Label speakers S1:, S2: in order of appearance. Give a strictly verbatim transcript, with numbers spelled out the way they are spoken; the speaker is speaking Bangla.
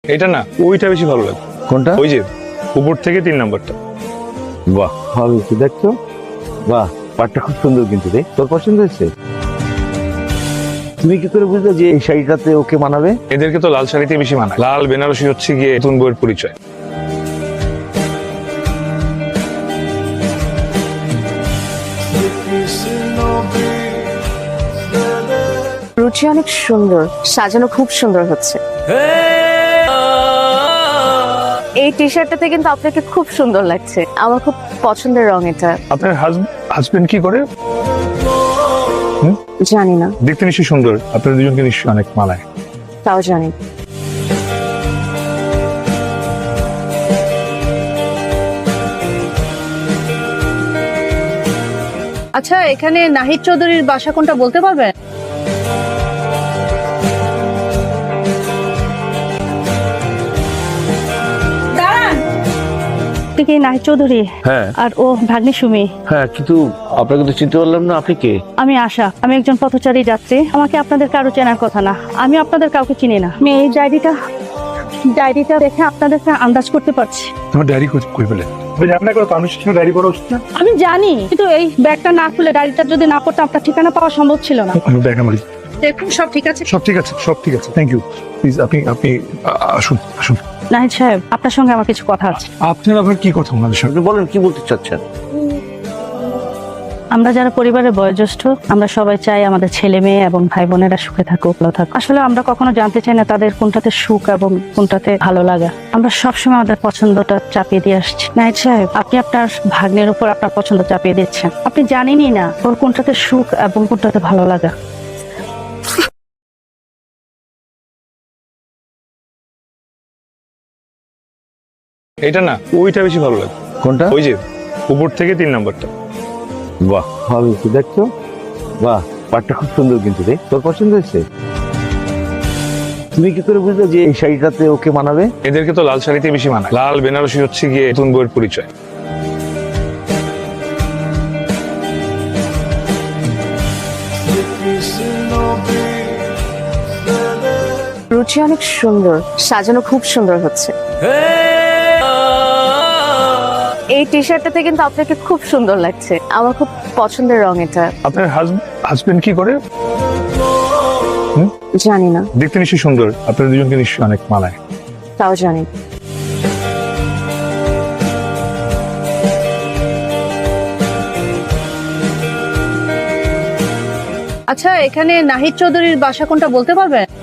S1: এটা না, ওইটা বেশি ভালো লাগে।
S2: কোনটা?
S1: ওই যে উপর থেকে তিন নাম্বারটা।
S2: বাহ, ভালো হয়েছে। দেখছো, বাহ, পাটটা খুব সুন্দর কিন্তু রে। তোর পছন্দ হয়েছে? তুমি কি করে বুঝলে যে এই শাড়িটাতে ওকে মানাবে?
S1: এদেরকে তো লাল শাড়িতে বেশি মানায়। লাল বেনারসি হচ্ছে গিয়ে নতুন বইয়ের পরিচয়।
S3: রুচি অনেক সুন্দর, সাজানো খুব সুন্দর হচ্ছে। এই টি শার্টটাতে কিন্তু আপনাকে খুব সুন্দর লাগছে, আমার খুব পছন্দের রং এটা।
S1: আপনার হাজবেন্ড কি করে?
S3: জানি না,
S1: দেখতে নিশ্চয়ই সুন্দর, আপনার দুজনকে নিশ্চয়ই অনেক মানায়।
S3: তাও জানি।
S4: আচ্ছা, এখানে নাহিদ চৌধুরীর বাসা কোনটা বলতে পারবেন?
S5: আপনি কি নাহিদ চৌধুরী?
S2: হ্যাঁ
S5: আর ও ভাগ্নি সুমি।
S2: হ্যাঁ, কিন্তু আপনাকে তো চিনতে পারলাম না। আপনি কে?
S5: আমি আশা, আমি একজন পথচারী যাত্রী। আমাকে আপনাদের কারো চেনার কথা না, আমি আপনাদের কাউকে চিনি না। আমি এই ডায়েরিটা ডায়েরিটা দেখে আপনাদেরকে আন্দাজ করতে পারছি।
S1: তোমার ডায়েরি কই পেলে? আপনার কোনো কমিশন ডায়েরি করা উচিত না?
S5: আমি জানি, কিন্তু এই ব্যাগটা না খুলে ডায়েরিটা যদি না করতে আপনার ঠিকানা পাওয়া সম্ভব ছিল না।
S1: আমি ব্যাগ আমার।
S4: দেখুন সব ঠিক আছে।
S1: সব ঠিক আছে, সব ঠিক আছে। Thank you. প্লিজ আপনি আপনি আ- আসুন আসুন।
S5: নাহিদ সাহেব, আপনার সঙ্গে আমার কিছু কথা আছে।
S1: আপনার আবার কি কথা ওনাদের সঙ্গে?
S2: আপনি বলেন, কি বলতে চাচ্ছেন?
S5: আমরা যারা পরিবারের বয়োজ্যেষ্ঠ, আমরা সবাই চাই আমাদের ছেলে মেয়ে এবং ভাই বোনেরা সুখে থাকুক, ভালো থাকুক। আসলে আমরা কখনো জানতে চাই না তাদের কোনটাতে সুখ এবং কোনটাতে ভালো লাগা। আমরা সবসময় আমাদের পছন্দটা চাপিয়ে দিয়ে আসছি। নাহিদ সাহেব, আপনি আপনার ভাগ্নের উপর আপনার পছন্দ চাপিয়ে দিচ্ছেন। আপনি জানেনই না ওর কোনটাতে সুখ এবং কোনটাতে ভালো লাগা।
S1: এটা না, ওইটা বেশি ভালো লাগে।
S2: কোনটা?
S1: ওই যে উপর থেকে তিন নাম্বারটা।
S2: বাহ, ভালো হয়েছে। দেখছো, বাহ, পাটটা খুব সুন্দর কিন্তু রে। তোর পছন্দ হয়েছে? তুমি কি করে বুঝলে যে এই শাড়িটাতে ওকে মানাবে?
S1: এদেরকে তো লাল শাড়িতে বেশি মানায়। লাল বেনারসি হচ্ছে গিয়ে নতুন বইয়ের পরিচয়।
S3: রুচি অনেক সুন্দর, সাজানো খুব সুন্দর হচ্ছে। এই টি শার্টটাতে কিন্তু আপনাকে খুব সুন্দর লাগছে, আমার খুব পছন্দের রং এটা।
S1: আপনার হাজবেন্ড কি করে?
S3: জানি না,
S1: দেখতে নিশ্চয়ই সুন্দর, আপনার দুজনকে নিশ্চয়ই অনেক মানায়।
S3: তাও জানি।
S4: আচ্ছা, এখানে নাহিদ চৌধুরীর বাসা কোনটা বলতে পারবেন?